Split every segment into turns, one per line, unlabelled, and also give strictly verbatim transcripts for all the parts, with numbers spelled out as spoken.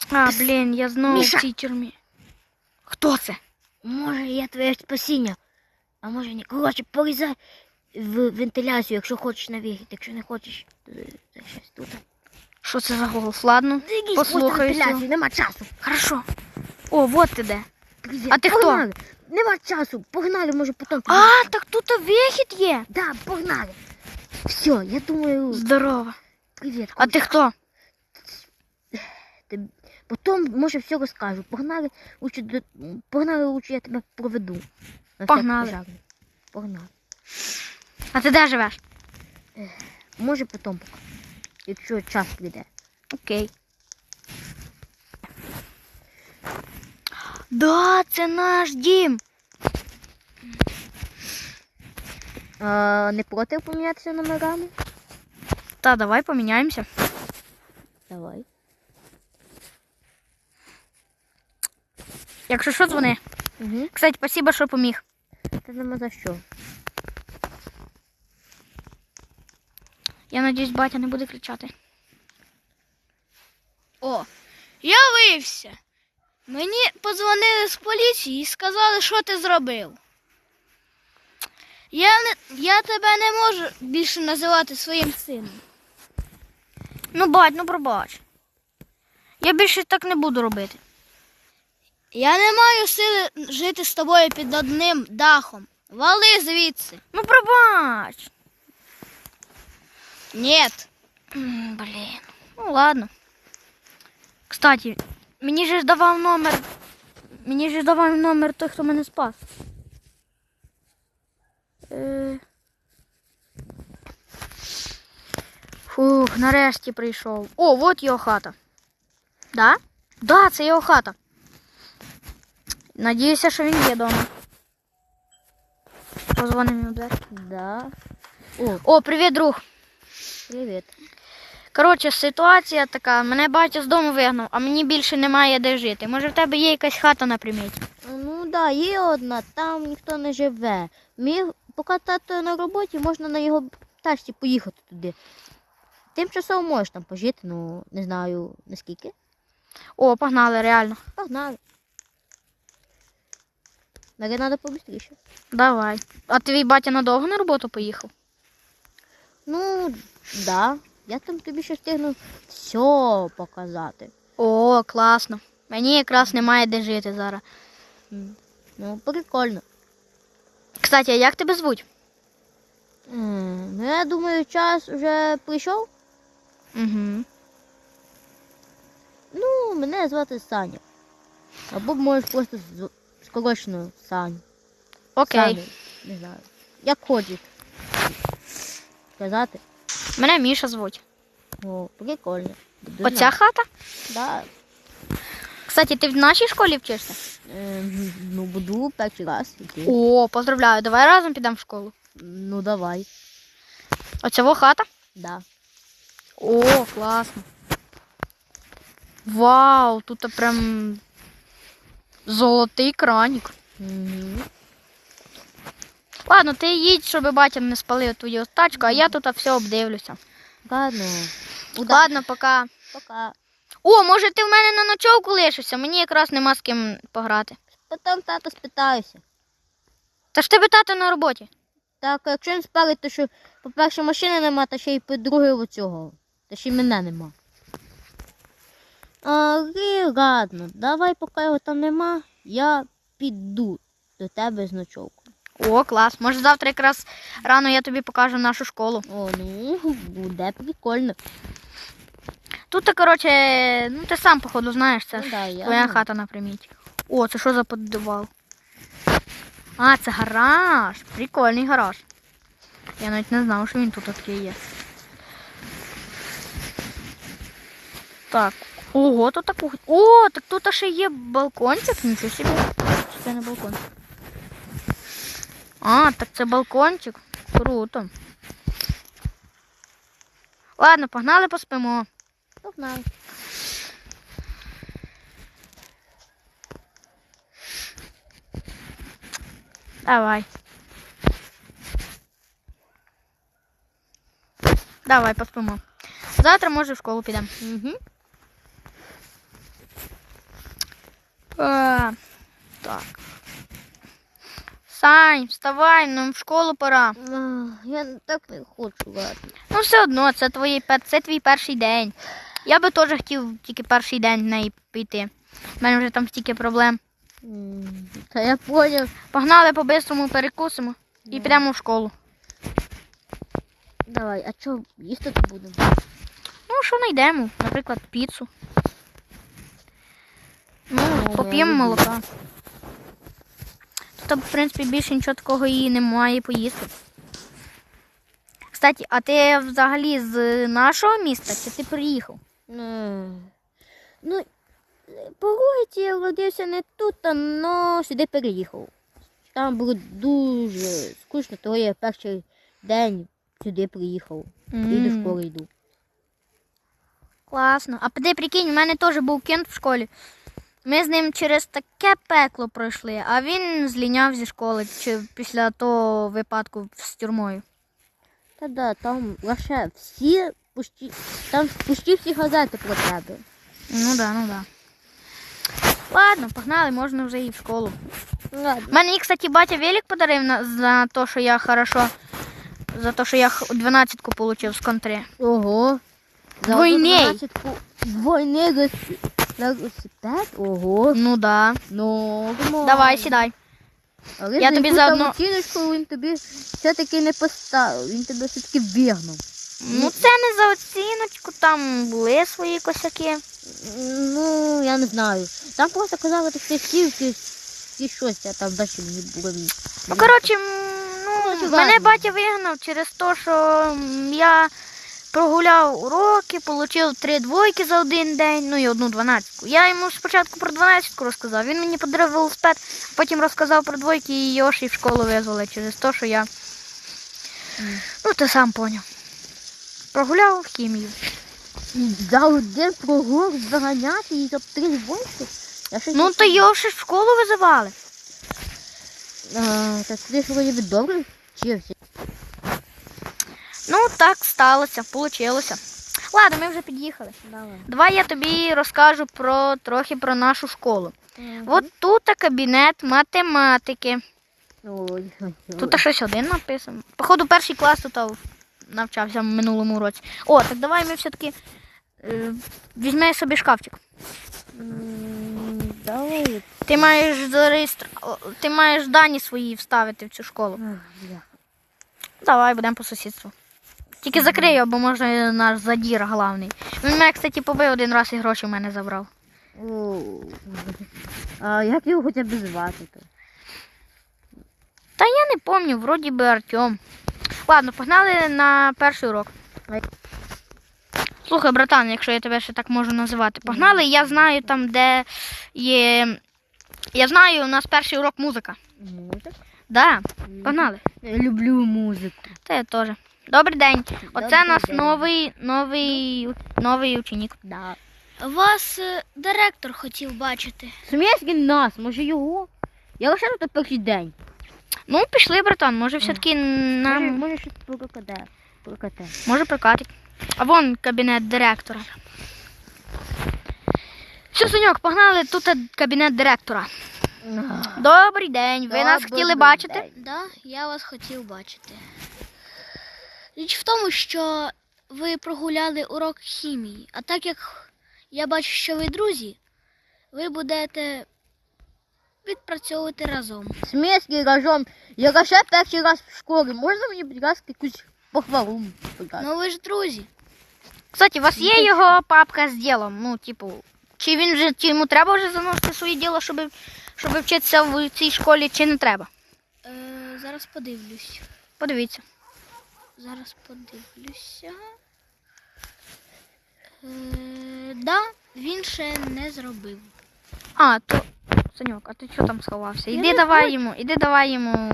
А, блін, я знову
Міша!
в цій тюрмі. Хто це?
Може, я твоє спасіння. А може ні. Коротше, полізай в вентиляцію, якщо хочеш на вихід. Якщо не хочеш, то це щось тут.
Що це за голос? Ладно,
Дивись, просто
послухаюся.
вентиляцію, нема часу.
Хорошо. О, вот ти де.
Привіт.
А ти хто?
Погнали. Нема часу. Погнали, може потім.
А, так тут вихід є.
Да, погнали. Все, я думаю.
Здорово.
Привіт.
А ти хто?
Ти... Потім, може, все розкажу. Погнали, лучше, до... Погнали, лучше я тебе проведу. На
Погнали.
всяк пожарний. Погнали.
А ти де живеш?
Може потім поки. Якщо час прийде.
Окей. Да, це наш дім.
А, не проти помінятися номерами?
Та, давай поміняємося.
Давай.
Якщо що, дзвони.
Угу.
Кстати, спасибо, що поміг.
Та нема за що.
Я надіюсь, батя не буде кричати. О, я виявився. Мені подзвонили з поліції і сказали, що ти зробив. Я, не, я тебе не можу більше називати своїм сином. Ну, бать, ну пробач. Я більше так не буду робити. Я не маю сили жити з тобою під одним дахом. Вали звідси. Ну, пробач. Нет. М, Блін. Ну ладно. Кстати, мені же ж давав номер. Мені же ж давав номер той, хто мене спас. Е... Фух, нарешті прийшов. О, вот його хата. Да? Да, це його хата. Надіюся, що він є вдома. Позвонимо йому в двері.
Да. О,
О, привіт, друг.
привіт.
Коротше, ситуація така, мене батя з дому вигнав, а мені більше немає де жити. Може в тебе є якась хата на приміті?
Ну да, є одна, там ніхто не живе. Міг, поки тато на роботі, можна на його тачці поїхати туди. Тимчасово можеш там пожити, ну не знаю наскільки.
О, погнали, реально.
Погнали. Наверное, треба побыстріше.
Давай. А твій батя надовго на роботу поїхав?
Ну, да. Я там тобі ще встигну все показати.
О, класно. Мені якраз немає де жити зараз.
М, Ну, прикольно.
Кстати, а як тебе звуть?
М, Ну, я думаю, час вже прийшов.
Угу.
Ну, мене звати Саня. Або можеш просто з- скорочено Саня.
Окей.
Саня, не знаю. Як хочеш. Сказати.
Мене Міша звуть.
О, прикольно. Дуже
Оця хата?
Да.
Кстати, ти в нашій школі вчишся?
Е, ну, буду перший раз. Іти.
О, поздравляю. Давай разом підемо в школу.
Ну, давай.
Оцього хата?
Да.
О, класно. Вау, тут прям золотий краник.
Угу.
Ладно, ти їдь, щоб батя не спалив твою тачку, а я тут все обдивлюся.
Ладно. Удачі.
Ладно, пока.
Пока.
О, може ти в мене на ночовку лишишся? Мені якраз нема з ким пограти.
Потім тато спитаюся.
Та ж тебе тато на роботі.
Так, а якщо він спалить, то що, по-перше, машини нема, та ще й по-друге оцього. Та ще й мене нема. Але ладно, давай, поки його там нема, я піду до тебе з ночовкою.
О, клас. Може завтра якраз рано я тобі покажу нашу школу.
О, ну, буде прикольно.
Тут, коротше, ну ти сам, походу, знаєш, це
Ну,
ж
да, я
твоя
знаю.
хата на приміті. О, це що за підвал? А, це гараж. Прикольний гараж. Я навіть не знав, що він тут такий є. Так. Ого, тут таку. О, так тут ще є балкончик, нічого собі. Чи це не балкончик? А, так це балкончик. Круто. Ладно, погнали поспимо.
Погнали.
Давай. Давай, поспимо. Завтра, може, в школу підемо.
Угу.
А, так. Сань, вставай, нам в школу пора.
Ах, я так не хочу, ладно.
Ну, все одно, це, твої, пер- це твій перший день. Я би теж хотів тільки перший день в неї піти. У мене вже там стільки проблем.
М, Та я поняв.
Погнали по-бистрому, перекусимо і підемо в школу.
Давай, а що їсти тут будемо?
Ну, що знайдемо? Наприклад, піцу. Ну,
Ну,
поп'ємо
я люблю.
молока. Тут, в принципі, більше нічого такого і немає поїсти. Кстати, а ти взагалі з нашого міста чи ти приїхав?
Е, Ну, по логіці я родився не тут, але сюди переїхав. Там було дуже скучно, тому я перший день сюди приїхав. І до
М.
школи йду.
Класно. А ти прикинь, у мене теж був кент в школі. Ми з ним через таке пекло пройшли, а він зліняв зі школи чи після того випадку з тюрмою.
Та да, там лише всі, почти, там почти всі газети про тебе.
Ну да, ну да. Ладно, погнали, можна вже і в школу.
Ладно.
Мені, кстати, батя велик подарив на, за те, що я хорошо, за те, що я х- дванадцятку отримав з контри.
Ого. За
Двойний.
одинадцятку Двойний велосипед? велосипед? Ого.
Ну да.
Ну,
Давай, сідай.
Але
Я
за
тобі
яку
заодно-
там оціночку він тобі все-таки не поставив. Він тебе все-таки вигнав.
Ну це не за оціночку, там були свої косяки.
Ну, я не знаю. Там просто казали, що ти сів, ти, ти щось, а там далі мені було.
Ну, коротше, м, ну,
Коротше,
мене
ладно.
батя вигнав через те, що м, я прогуляв уроки, отримав три двойки за один день, ну і одну дванадцятку. Я йому спочатку про дванадцятку розказав, він мені подарував велосипед, потім розказав про двойки і його ж і в школу визвали через те, що я, ну ти сам поняв, прогуляв хімію.
За один прогул заганяти і за три двойки? Я щось
Ну
не
то його ж в школу визивали.
А, так ти ж вроді би добре вчився.
Ну так сталося, получилося. Ладно, ми вже під'їхали.
Давай.
Давай я тобі розкажу про трохи про нашу школу. От тут кабінет математики.
Ой, ой,
Тут щось один написано. Походу, перший клас тут навчався в минулому році. О, так давай ми все-таки е, візьми собі шкафчик.
М, Давай.
Ти маєш зареєстр... о, ти маєш дані свої вставити в цю школу.
Ах, бля.
Давай, будемо по сусідству. Тільки закрий його, бо може наш задір главний. Він мене, кстати, побив один раз і гроші в мене забрав.
О, А як його хоча б звати то?
Та я не пам'ятаю, вроді би Артем. Ладно, погнали на перший урок. Слухай, братан, якщо я тебе ще так можу називати. Погнали, я знаю там, де є. Я знаю, у нас перший урок музика.
Музик?
Да, погнали.
Я люблю музику.
Та я теж. Добрий день. Оце
Добрий
наш
день.
новий, новий, новий ученик.
Да.
Вас директор хотів бачити.
Смієшки нас, може його? Я лише тут перший день.
Ну, пішли, братан, може все-таки
Може,
нам
може щось прокаде. Прокате.
може прокатить. А вон кабінет директора. Все, Соньок, погнали, тут кабінет директора. Добрий день. Ви нас
Добрий
хотіли бачити?
день.
Да, я вас хотів бачити. Річ в тому, що ви прогуляли урок хімії, а так як я бачу, що ви друзі, ви будете відпрацьовувати разом.
Смієшки разом. Я лише перший раз в школі. Можна мені, будь ласка, якусь похвалу? Будь ласка?
Ну ви ж друзі.
Кстати, у вас є його папка з ділом? Ну, типу, чи він вже чи йому треба вже заносити своє діло, щоб, щоб вчитися в цій школі, чи не треба?
Е, зараз подивлюсь.
Подивіться.
Зараз подивлюся. Е, да, він ще не зробив.
А, то. Саньок, а ти що там сховався? Іди давай йому, іди давай йому.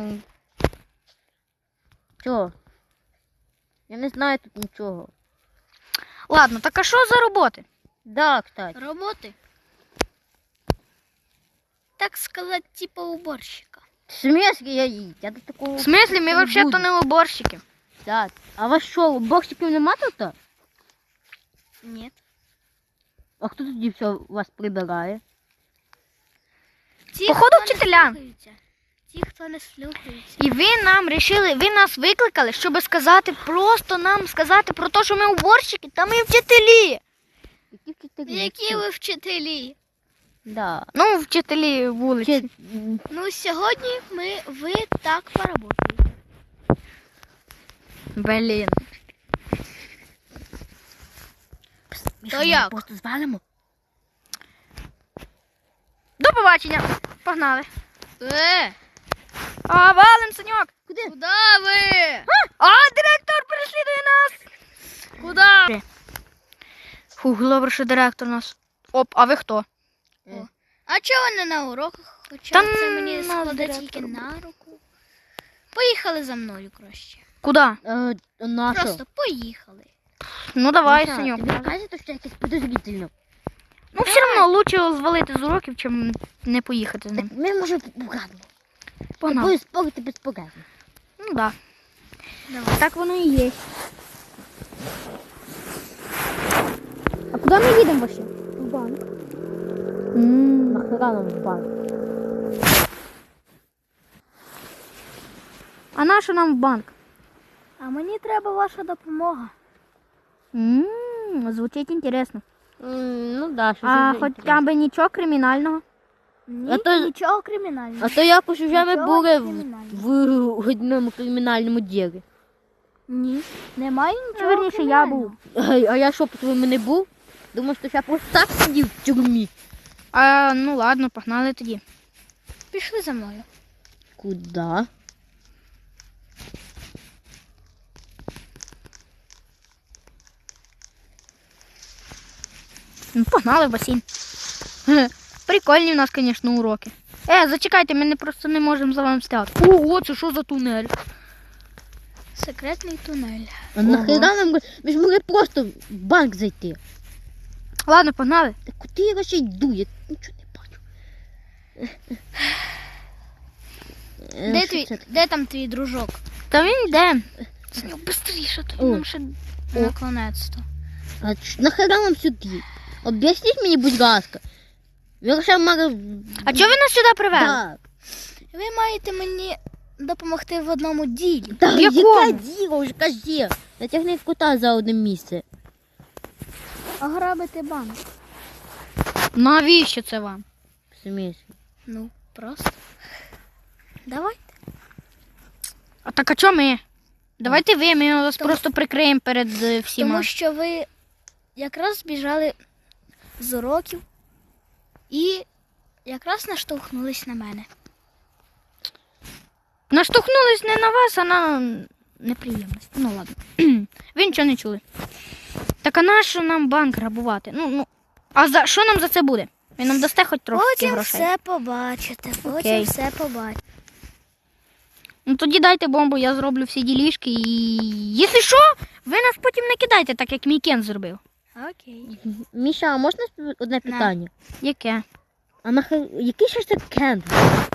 Чого? Я не знаю тут нічого.
Ладно, так а що за роботи?
Да, кстати.
Роботи? Так сказати, типа уборщика.
Смієшки я їй. Я до такого...
В смислі, ми
не
взагалі то
буду.
не уборщики.
Так. А вас що, боксиків нема тут?
Ні.
А хто тоді все вас прибирає?
Ті,
Походу,
хто не
вчителя.
слухаються. Ті, хто не слухається.
І ви нам рішили, ви нас викликали, щоб сказати, просто нам сказати про те, що ми уборщики та ми вчителі.
Які вчителі?
Які ви вчителі?
Да.
Ну, вчителі вулиці.
Чи...
Ну, сьогодні ми, ви так поработаєте.
Блін.
Міша,
То
ми
як?
просто звалимо?
До побачення. Погнали.
Е,
А, валим, Саньок.
Куди?
куди ви?
А, директор переслідує нас.
Куди?
Фух, добре, що директор нас. Оп, а ви хто?
А чого не на уроках? Хоча
Та
це мені
нас
складе
директор
тільки
буде.
на руку. Поїхали за мною краще.
Куди?
Е, на що?
Просто поїхали.
Ну давай,
Міша,
Саньок.
тобі кажете, що якесь подозрительно?
Ну, все одно лучше звалити з уроків, чим не поїхати з
Так
ним.
ми можемо порадимо.
Погнали.
Будемо спорити безпорадно.
Ну да.
Давай.
Так воно і є. А куди ми їдемо вообще? В банк.
Нахера нам в банк?
А на що нам в банк?
А мені треба ваша допомога.
Ммм, звучить інтересно.
М, Ну да, що
А
це
хоча б нічого кримінального.
Ні,
А то-
нічого кримінального.
А то якось вже ми
Нічого
були в,
кримінального.
в одному кримінальному ділі.
Ні, немає нічого
Верніше, я був.
кримінального.
А, а я що, по-твоєму, не був? Думав, що я просто так сидів в тюрмі.
А, ну ладно, погнали тоді.
Пішли за мною.
Куда?
Ну, погнали в басейн. Хе, Прикольні в нас, звісно, уроки. Е, зачекайте, ми не просто не можемо за вами стати. Ого, це що за тунель?
Секретний тунель.
А нахера нам? Ми ж могли просто в банк зайти.
Ладно, погнали.
Та куди я ще йду? Я нічого не бачу. Е,
Де,
що
твій,
це таке?
де там твій дружок?
Та він йде.
Саню, быстріше,
О.
то нам ще наконець-то.
А ч- нахера нам сюди? Об'ясніть мені, будь ласка. Ви лише мали...
А чого ви нас сюди привели?
Так.
Ви маєте мені допомогти в одному ділі.
Та
В якому?
яке діло, вже кажи. Натягни кота за одне місце.
Ограбити банк.
Навіщо це вам?
В смислі?
Ну, просто. Давай.
А так а чого ми? Давайте ви, ми вас
Тому-
просто прикриємо перед е, всіма.
Тому що ви якраз збіжали з уроків і якраз наштовхнулись на мене.
Наштовхнулись не на вас, а на неприємність. Ну ладно. Ви нічого не чули. Так а нащо нам банк грабувати? Ну, ну. А за що нам за це буде? Ви нам дасте хоч трохи
Потім
грошей?
все побачите. Потім
Окей.
все побачите.
Ну тоді дайте бомбу, я зроблю всі ділішки і. Якщо що, ви нас потім не кидайте, так як мій Кен зробив.
Окей.
Міша, а можна спи- одне питання?
Яке?
А нахер... Який ще ж це кент?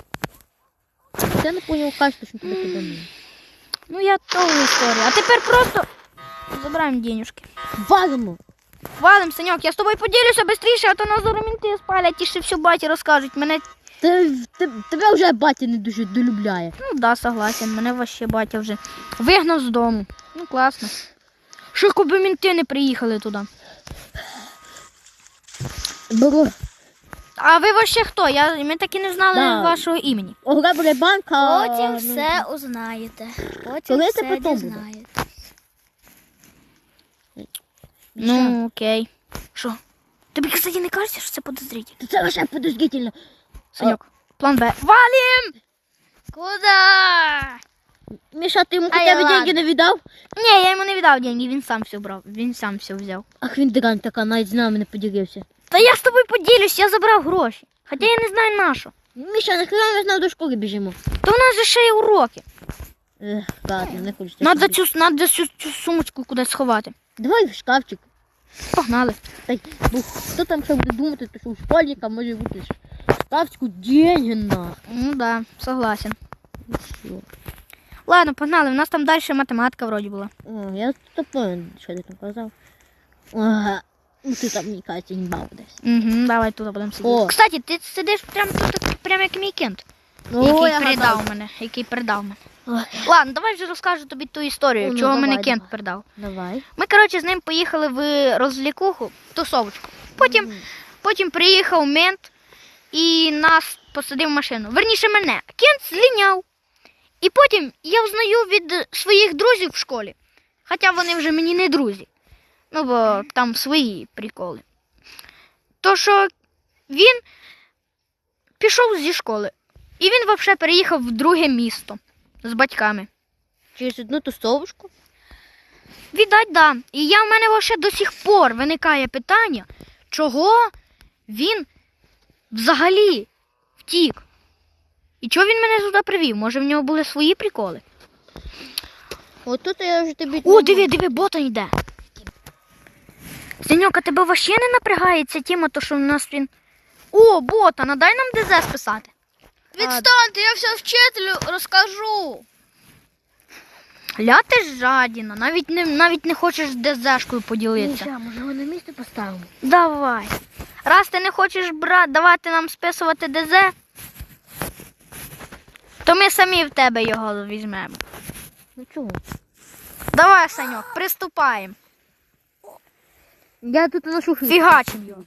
Я не поняв, кажете, що тебе кидали.
Ну я того історію. А тепер просто забираємо денюжки.
Валимо!
Валим, Саньок, я з тобою поділюся швидше, а то нас зараз мінти спалять і ще всю баті розкажуть. Мене,
Те- те- Тебе вже батя не дуже долюбляє.
ну да, согласен, мене вообще батя вже вигнав з дому. Ну класно. Що коби мінти не приїхали туди.
Беру.
А ви вообще хто? Я, ми так і не знали
Да.
вашого імені.
Ограбили банк, а...
Потім
ну,
все узнаєте. Потім
Коли це
все
потім буде?
дізнаєте.
Міша,
Ну, окей. Що? Тобі, кстати, не кажеться, що це подозрительно?
то це лише подозрительно.
Саньок, план Б. Валім!
Куда?
Міша, ти йому
Ай,
хоча б
ладно.
деньги не віддав?
Ні, я йому не віддав деньги, він сам все брав. Він сам все взяв.
Ах, він дрань така, навіть з нами не поділився.
Та я з тобою поділюсь, я забрав гроші. Хоча я не знаю на що.
Міша, нахера ми знову до школи біжимо?
То у нас же ще є уроки.
Ех, ладно, не хочеться.
Надо
сюди.
цю, надо цю, цю сумочку кудись сховати.
Давай в шкафчик.
Погнали.
Та й, бо хто там ще буде думати, то що у школьника може бути ж в шкафчику деньги на.
Ну да, согласен.
Що?
Ладно, погнали, у нас там далі математика вроді була.
О, я то понял, що ти там казав. Ага. Ну ти там, мені кажеться, не бав десь.
Угу, давай тут будемо сидіти.
О.
Кстати, ти сидиш прямо тут. прям як мій кент,
Ну,
який
я
передав
гадав.
мене, який передав мене.
Ой,
Ладно, давай вже розкажу тобі ту історію,
Ну, ну,
чого
давай,
мене кент
давай.
передав.
Давай.
Ми, коротше, з ним поїхали в розлікуху, тусовочку. Потім,
Мгм.
потім приїхав мент і нас посадив в машину. Верніше мене. Кент зліняв. І потім я взнаю від своїх друзів в школі. Хоча вони вже мені не друзі. Ну, бо там свої приколи. То, що він пішов зі школи. І він взагалі переїхав в друге місто з батьками.
Через одну тусовочку?
Віддать, да. І я в мене взагалі до сих пор виникає питання, чого він взагалі втік. І чого він мене сюди привів? Може в нього були свої приколи?
От тут я вже тобі...
О, диви, диви, ботан йде. Синьок, а тебе взагалі не напрягає ця тема, то що в нас він... О, ботан, а дай нам ДЗ списати.
Відстаньте, я все вчителю розкажу.
Ля ти ж жадіна, навіть не, навіть не хочеш ДЗшкою поділитися.
Міша, може його на місце поставимо?
Давай. Раз ти не хочеш брат, давати нам списувати ДЗ, то ми самі в тебе його візьмемо.
Ну чого?
Давай, Саньок, приступаємо.
Я тут ношу фігу.
Фігачим його.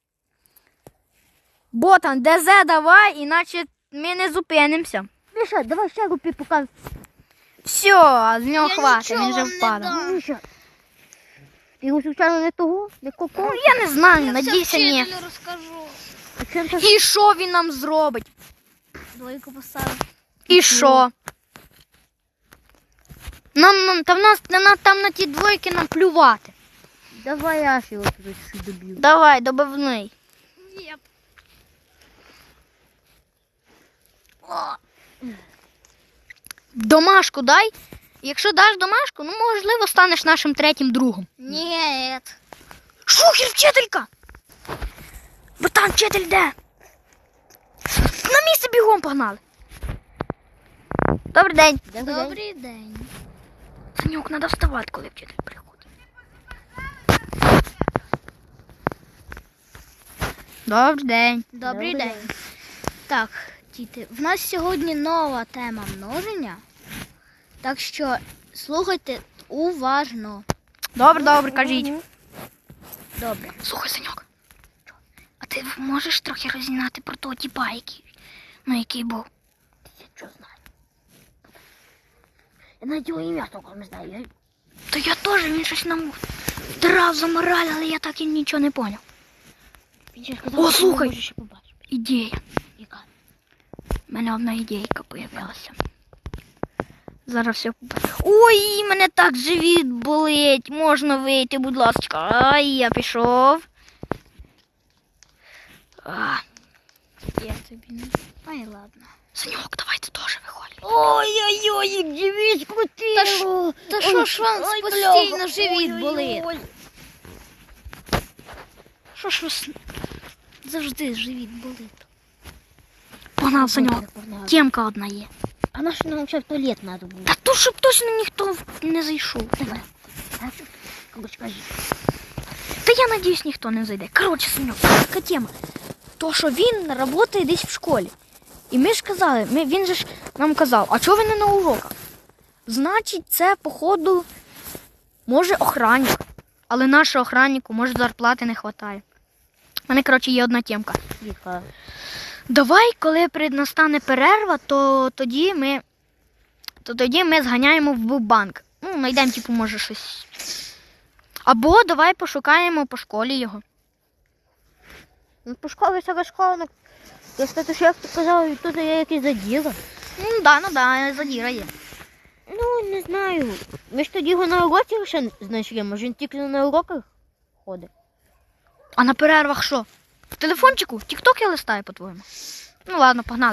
Ботан, ДЗ давай, іначе ми не зупинимося.
Міша, давай ще купи, поки...
Все, з нього
Я
хватить,
нічого
він вже
вам не
впаде.
дам.
Міша, ти його звичайно не того, не
Ну,
коко.
я не знаю,
Я все
надійся, ні.
вчителю розкажу.
А чим ти...
І що він нам зробить?
Двойку поставив.
І що? Нам, нам, та в нас, на, там на ті двойки нам плювати.
Давай я ж його туди щось доб'ю.
Давай, добивний.
Ні.
Домашку дай. Якщо даш домашку, ну, можливо, станеш нашим третім другом.
Ні.
Шухер, вчителька! Бо там вчитель де? На місце бігом погнали. Добрий день.
Добрий день.
Санюк, треба вставати, коли вчитель приходить. Добрий день.
Добрий
Добрий
день. Так, діти, в нас сьогодні нова тема множення. Так що слухайте уважно.
Добре, добре, кажіть.
Добре.
Слухай, Санюк, а ти можеш трохи розігнати про того тіпа, який, ну, який був?
Я що знаю? Я навіть його ім'я толком не знаю. Я...
То я теж, він щось нам вдрав за мораль, але я так і нічого не поняв.
Він ще сказав,
О,
що
слухай.
може ще побачити.
Ідея.
Яка?
У мене одна ідейка появилася. Зараз все. Ой, мене так живіт болить. Можна вийти, будь ласка. Ай, я пішов. А,
Я тобі не. Ай, ладно.
Саньок, давай ти теж виходь.
Ой-ой-ой, як живіт крутило.
Та ж- Та що ж вам
Ой,
постійно
бляха.
живіт
Ой-ой-ой.
болить? Що ж вас завжди живіт болить?
Погнав, Саньок.
Погнали.
Тємка одна є.
А на що нам ще в туалет треба було?
Та тут, щоб точно ніхто не зайшов. Давай.
А що? Короче, кажи.
Та я надіюсь, ніхто не зайде. Коротше, Саньок, така тема. То, що він працює десь в школі. І ми ж казали, ми, він же ж нам казав, а чого ви не на уроках? Значить, це, походу, може охранник. Але нашого охраннику, може, зарплати не вистачає. У мене, коротше, є одна тємка.
Яка?
Давай, коли при- настане перерва, то тоді ми, то тоді ми зганяємо в банк. Ну, знайдемо, типу, може, щось. Або давай пошукаємо по школі його.
Ну, по школі всяка школа. Ну, я кстати, що як ти казав, тут є якісь заділа.
Ну, да, ну да, задіра є.
Ну, не знаю. Ми ж тоді його на уроці ще знайшли. Може він тільки на уроках ходить.
А на перервах що? В телефончику? Тік-ток я листаю, по-твоєму. Ну ладно, погнали.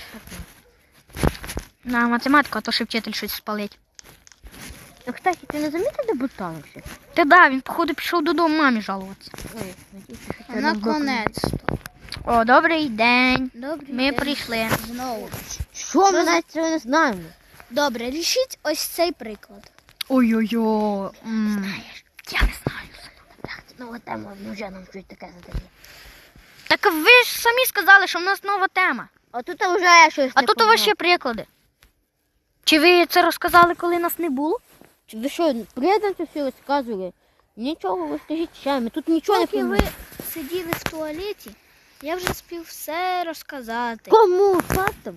На математику, а то ще вчитель щось спалить.
А, кстати, ти не замітив, де Бутанов ще?
Та да, він, походу, пішов додому мамі жалуватися.
Ой, надіюся, що це нам
Наконець.
О, добрий день.
Добрий
Ми
день.
прийшли.
Знову.
Що, ми навіть цього не знаємо.
Добре, рішіть ось цей приклад.
Ой-ой-ой. м, Я не знаю.
Так, нова тема, ну вже нам щось таке задає.
Так ви ж самі сказали, що в нас нова тема.
А тут вже щось.
А
не
тут у вас
понятно.
ще приклади. Чи ви це розказали, коли нас не було?
Чи ви що, приєднати все розказували? Нічого, ви скажіть ще, ми тут нічого не
Поки ви
поймемо.
сиділи в туалеті, я вже спів все розказати.
Кому? Фактом?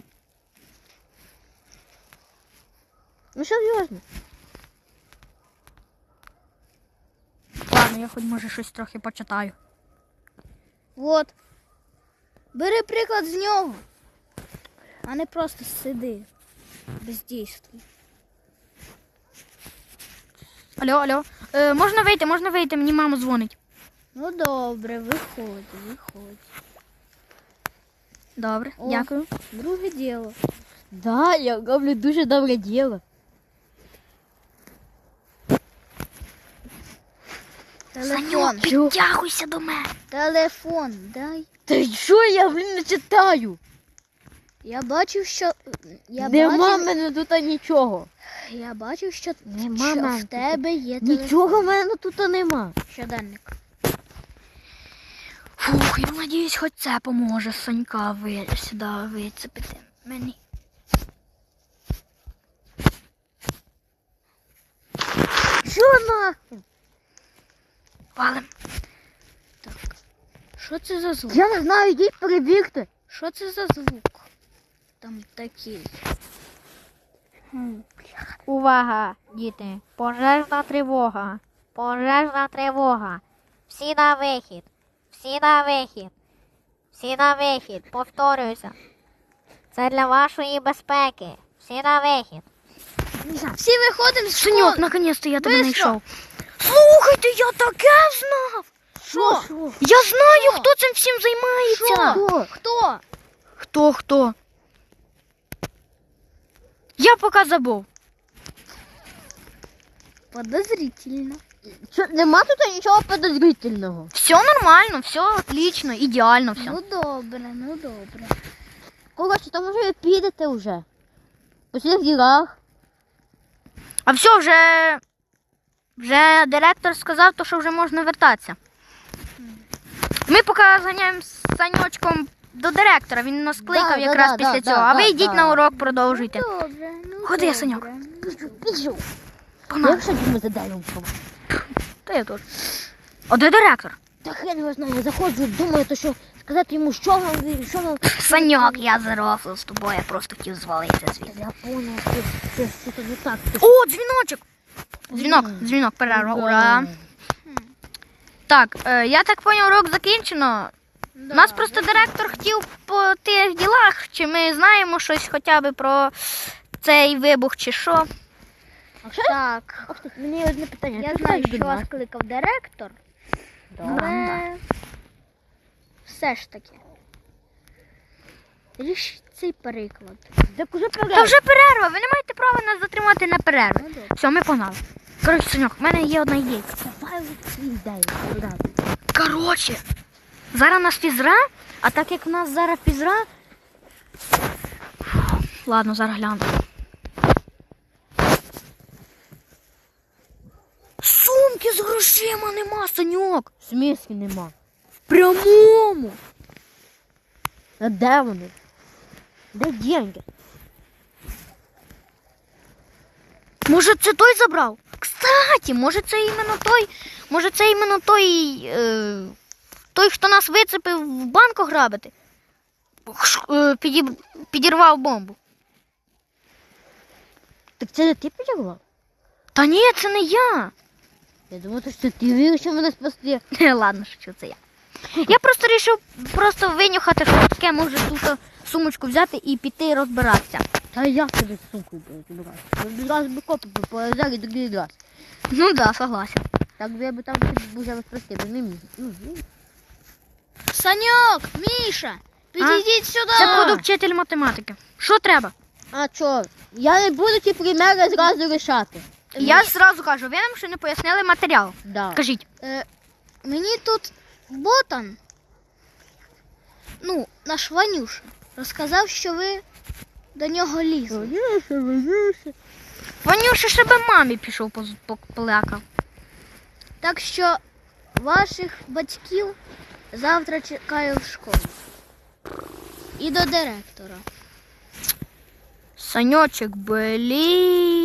Ну серйозно.
Ладно, я хоч може щось трохи почитаю.
От. Бери приклад з нього, а не просто сиди, бездійствуй.
Алло, алло. Е, можна вийти, можна вийти, мені мама дзвонить.
Ну добре, виходь, виходь.
Добре,
О.
дякую.
Друге діло.
Да, я роблю дуже добре діло.
Телефон.
підтягуйся до мене.
Телефон, дай.
Та що я, блін, не читаю?
Я бачив, що. Я
Нема в
бачив,
мене тут нічого.
я бачив, що,
Нема
що
мене
в
тут.
тебе є телефон.
Нічого в мене тут нема.
Щоденник.
Фух, я надіюсь, хоч це поможе Сонька ви, сюди вицепити мені.
Що нахуй?
Валим.
Що це за звук?
Я не знаю, йдіть перевірте.
Що це за звук? Там такий.
Увага, діти! Пожежна тривога! Пожежна тривога! Всі на вихід! Всі на вихід! Всі на вихід! Повторююся! Це для вашої безпеки! Всі на вихід!
Всі виходимо з
Соньок,
школи.
наконець-то я тебе
Бистро.
знайшов. Слухайте, я таке знав!
Що?
Я знаю,
Що?
хто цим всім займається.
Що? Хто?
Хто, хто? Я поки забув.
Подозрительно.
Що, нема тут нічого подозрительного.
Все нормально, все отлично, ідеально все.
Ну добре, ну добре.
Коротше, то може ви підете вже. По всіх ділах.
А все, вже, вже директор сказав, то, що вже можна вертатися. Ми поки зганяємо з Санечком до директора, він нас кликав
Да, да,
якраз
да,
після
да,
цього.
да,
а ви
да,
йдіть
да.
на урок, продовжуйте.
Добре, ну
Ходи,
добре.
Саньок.
Біжу.
Погнали.
Я вже йому за деревом.
Та я теж. А де директор?
Та хрен його знає, я заходжу, думаю, то що сказати йому, що вам, що вам.
Саньок, я зарофлив з тобою, я просто хотів звалитися звідси.
Я понял, що це все то не так. Ти
О, дзвіночок! Дзвінок,
Мгм.
дзвінок, перерва,
Да.
ура. Так, е, я так поняв, урок закінчено.
Да.
Нас просто директор хотів по тих ділах, чи ми знаємо щось хоча б про цей вибух, чи що.
А що?
Так.
Ох, ти, мені одне питання.
Я
Ти
знаю,
знаєш,
що
до
вас
нас?
кликав директор, але все ж таки. Ріш цей переклад.
Так уже
Та
перед.
вже перерва, ви не маєте права нас затримати на перерву.
Ну добре.
Все, ми погнали. Коротше, Саньок, в мене є одна ідейка.
Давай свій дай.
Коротше, зараз у нас фізра, а так як в нас зараз фізра. Ладно, зараз гляну. Сумки з грошима нема, Саньок.
В смислі нема.
В прямому.
А де вони? Де деньги?
Може, це той забрав? Кстати, може це іменно той, може це іменно той, е, той, хто нас вицепив в банку грабити. Ш- е, підіб- підірвав бомбу.
Так це не ти підірвав?
Та ні, це не я.
Я думаю, то що ти вирішив мене спасти.
Ладно, що це я. Я просто вирішив просто винюхати, що таке може тут сумочку взяти і піти розбиратися.
Та як тобі з сумкою розібрати? Один раз би копи повезли, другий раз.
Ну да, согласен.
Так би я би там тобі вже спасти, бо не міг. Ну, ну.
Саньок, Міша, підійдіть сюди.
Це буду вчитель математики. Що треба?
А чо? Я не буду ті примери зразу рішати.
Я зразу кажу, ви нам ще не пояснили матеріал.
Да.
Кажіть.
Е, мені тут ботан, ну, наш Ванюша, розказав, що ви до нього лізли.
Ванюша, Ванюша.
Ванюша ще би мамі пішов поз- поплакав.
Так що ваших батьків завтра чекаю в школі. і до директора.
Саньочек, блін.